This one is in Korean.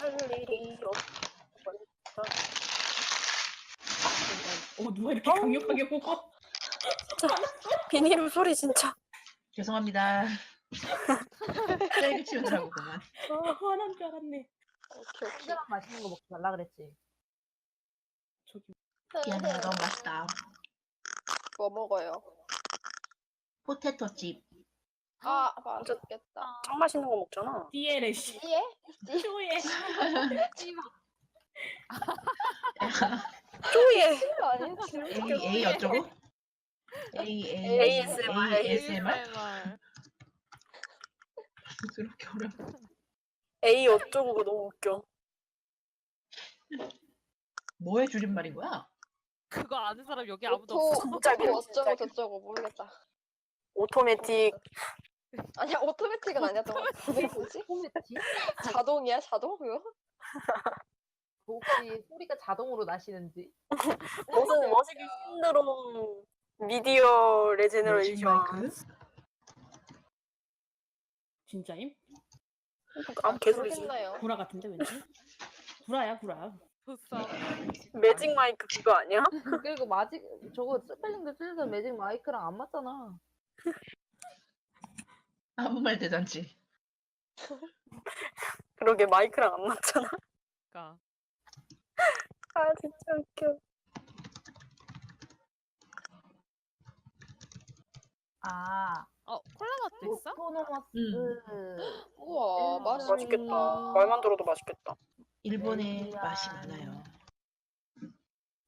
할 일이 누가 이렇게 강력하게 먹어? 비닐을 소리 진짜. 죄송합니다. 쓰레기 치우느라고 그만. 화난 줄 알았네. 오케이. 혼자만 맛있는 거 먹지 말라 그랬지. 저기 미안해, 너무 맛있다. 뭐 먹어요? 포테토칩. 아 맛있겠다. 짱 맛있는 거 먹잖아. 띠에레 씨. 예? 쇼에. 쪼예. 아니 A 어쩌고? ASMR. ASMR? 그렇게 어려워. A 어쩌고 그거 너무 웃겨. 뭐의 줄임말인 거야? 그거 아는 사람 여기 아무도 오토 없어. 진짜 어쩌고 저쩌고 모르겠다. 오토매틱. 아니야 오토매틱은 아니었던 것 같은데 뭐지? 소매치? 자동이야 자동 그거? 혹시 소리가 자동으로 나시는지? 무슨 머시기 신드롬 미디어 레제너레이션. 마이크? 진짜임? 아무 개소리지. 구라 같은데 왠지? 구라야 구라. 보쌈. 매직 마이크 그거 아니야? 그리고 저거 스펠링도 틀려서 매직 마이크랑 안 맞잖아. 아무 말 대잔치. 그러게 마이크랑 안 맞잖아. 그러니까. 아 진짜 웃겨. 콜라맛도 있어? 오토노머스. 우와 맛있겠다. 말만 들어도 맛있겠다. 일본에 맛이 많아요.